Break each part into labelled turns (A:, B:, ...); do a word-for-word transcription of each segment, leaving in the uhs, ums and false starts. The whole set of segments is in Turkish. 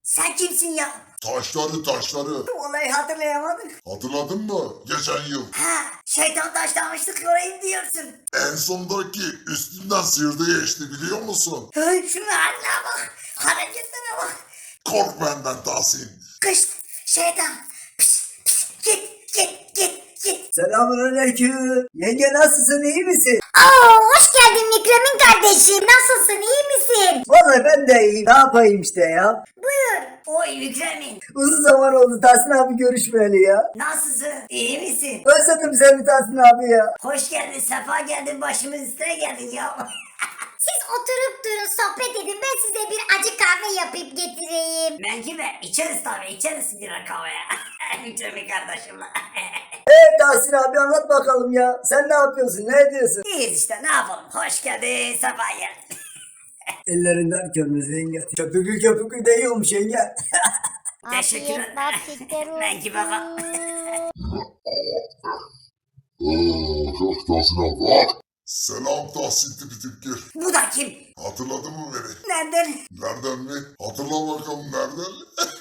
A: Sen kimsin ya?
B: Taşları taşları.
A: Vallahi hatırlayamadım.
B: Hatırladın mı? Geçen yıl.
A: Ha, şeytan taşlamıştık orayı diyorsun.
B: En sondaki üstünden sıyırdı geçti biliyor musun?
A: Hey, şunun haline bak. Hareketlere bak.
B: Kork benden Tahsin.
A: Kışt, şeytan. Pis, pis, git, git, git, git.
C: Selamünaleyküm. Yenge nasılsın, iyi misin?
D: Oo, hoş geldin Mükremin kardeşim. Nasılsın, iyi misin?
C: Vallahi ben de iyiyim. Ne yapayım işte ya.
D: Buyur.
A: Oy Mükremin.
C: Uzun zaman oldu Tahsin abi görüşmeyeli ya.
A: Nasılsın? İyi misin?
C: Özledim seni Tahsin abi ya.
A: Hoş geldin, sefa geldin, başımız üstüne geldin ya.
D: Siz oturup durun, sohbet edin. Ben size bir acı kahve yapıp getireyim.
A: Menkibe, içeriz tabii, içeriz bir kahveye. Mükremin kardeşimle.
C: Hey Tahsin abi anlat bakalım ya. Sen ne yapıyorsun, ne ediyorsun?
A: İyiyiz işte, ne yapalım? Hoş geldin, sefa geldin.
C: Ellerinden körmüz yenge. Köpüklü köpüklü de iyi olmuş yenge.
A: Teşekkür
D: Afiyet
A: ederim.
D: nasipler olsun.
A: Menkibe bak.
B: Ooo çok Tahsin abi. Selam Tahsin tipi tip gel.
A: Bu da kim?
B: Hatırladın mı beni?
A: Nereden?
B: Nereden mi? Hatırla bakalım nereden?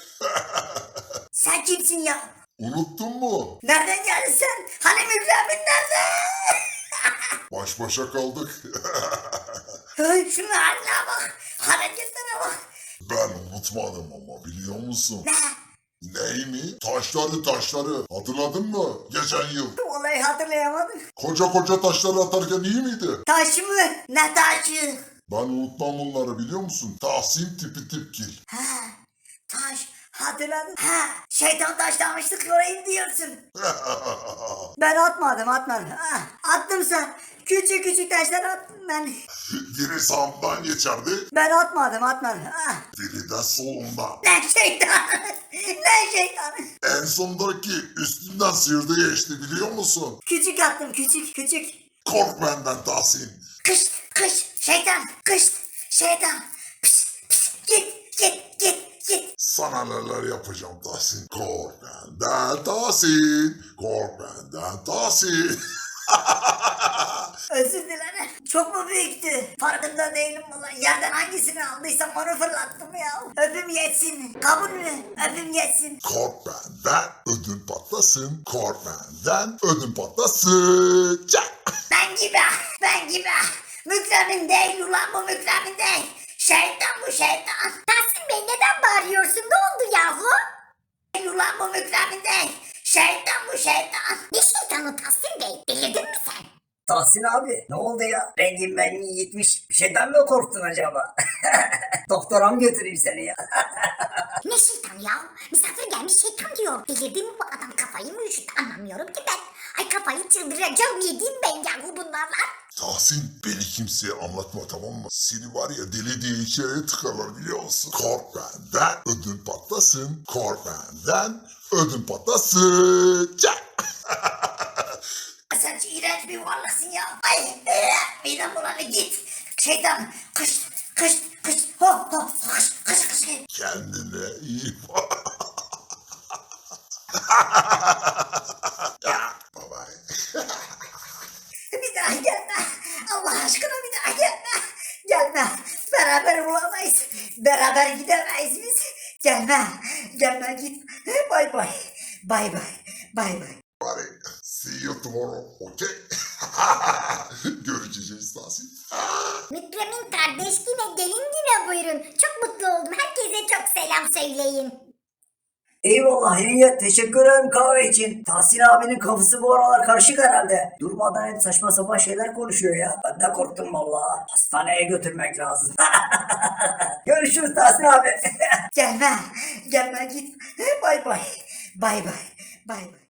A: Sen kimsin ya?
B: Unuttun mu?
A: Nereden geldin sen? Hani Mükremin nerede?
B: Baş başa kaldık.
A: Hey, şunun haline bak. Hareketlere bak.
B: Ben unutmadım ama biliyor musun?
A: Ne?
B: Ney mi? Taşları taşları. Hatırladın mı? Geçen yıl.
A: Vallahi hatırlayamadım.
B: Koca koca taşları atarken iyi miydi?
A: Taş mı? Ne taşı?
B: Ben unutmam bunları biliyor musun? Tahsin tipi tipkil.
A: Ha, taş. Hatırladım. Ha, şeytan taşlamıştık orayı diyorsun. Ben atmadım atmadım. Ha, attım sen. Küçük küçük taşlar attım ben.
B: Biri sağımdan geçerdi,
A: Ben atmadım atmadım. Ha.
B: biri de solumdan.
A: Ne şeytan? Ne şeytan?
B: En sondaki üstünden sıyırdı geçti biliyor musun?
A: Küçük attım küçük küçük.
B: Kork benden Tahsin.
A: Kış kış şeytan kış şeytan. Pis, pis, git git git git.
B: Sana neler yapacağım Tahsin. Kork benden Tahsin. Kork benden Tahsin.
A: Özür dilerim. Çok mu büyüktü? Farkında değilim valla. Yerden hangisini aldıysam onu fırlattım ya. Öpüm yetsin. Kabul mü? Öpüm yetsin.
B: Kork benden ödün patlasın. Kork benden ödün patlasın. Çak.
A: Ben gibi. Ben gibi. Mükremin değil ulan bu mükremin değil. Şeytan bu şeytan.
D: Tahsin Bey neden bağırıyorsun? Ne oldu yahu?
A: Değil ulan bu mükremin değil. Şeytan bu şeytan.
D: Ne şeytanı Tahsin Bey? Delirdin mi sen?
C: Tahsin abi ne oldu ya? Rengin benliği gitmiş. Bir şeyden mi korktun acaba? Doktora mı götüreyim seni ya?
D: Ne şeytan ya? Misafir gelmiş şeytan diyor. Delirdi mi bu adam, kafayı mı üşüttü anlamıyorum ki ben. Ay kafayı çıldıracağım, yediğim ben yahu bunlarla.
B: Tahsin beni kimseye anlatma tamam mı? Seni var ya deli diye içeriye tıkarlar biliyor musun? Kork benden ödün patlasın. Kork benden ödün patlasın. Çak.
A: Sen iğrenç bir varlıksın ya. Ay e, midem bulanı git. Şeytan kış kış kış hop hop kış kış kış.
B: Kendine iyi bak. Bye bye.
A: Bir daha gelme. Allah aşkına bir daha gelme. Gelme. Beraber bulamayız. Beraber gidemeyiz biz. Gelme. Gelme git. Bay bay. Bay bay. Bay bay.
B: Bye. See you tomorrow. Okay? Görüşeceğiz Tahsin.
D: Mükremin kardeş yine gelin yine buyurun. Çok mutlu oldum. Herkese çok selam söyleyin.
C: Eyvallah yenge, teşekkür ederim kahve için. Tahsin abinin kafası bu aralar karışık herhalde. Durmadan hep saçma sapan şeyler konuşuyor ya. Ben de korktum valla. Hastaneye götürmek lazım. Görüşürüz Tahsin abi.
A: Gelme. Gelme git. Bay bay. Bay bay. Bay bay.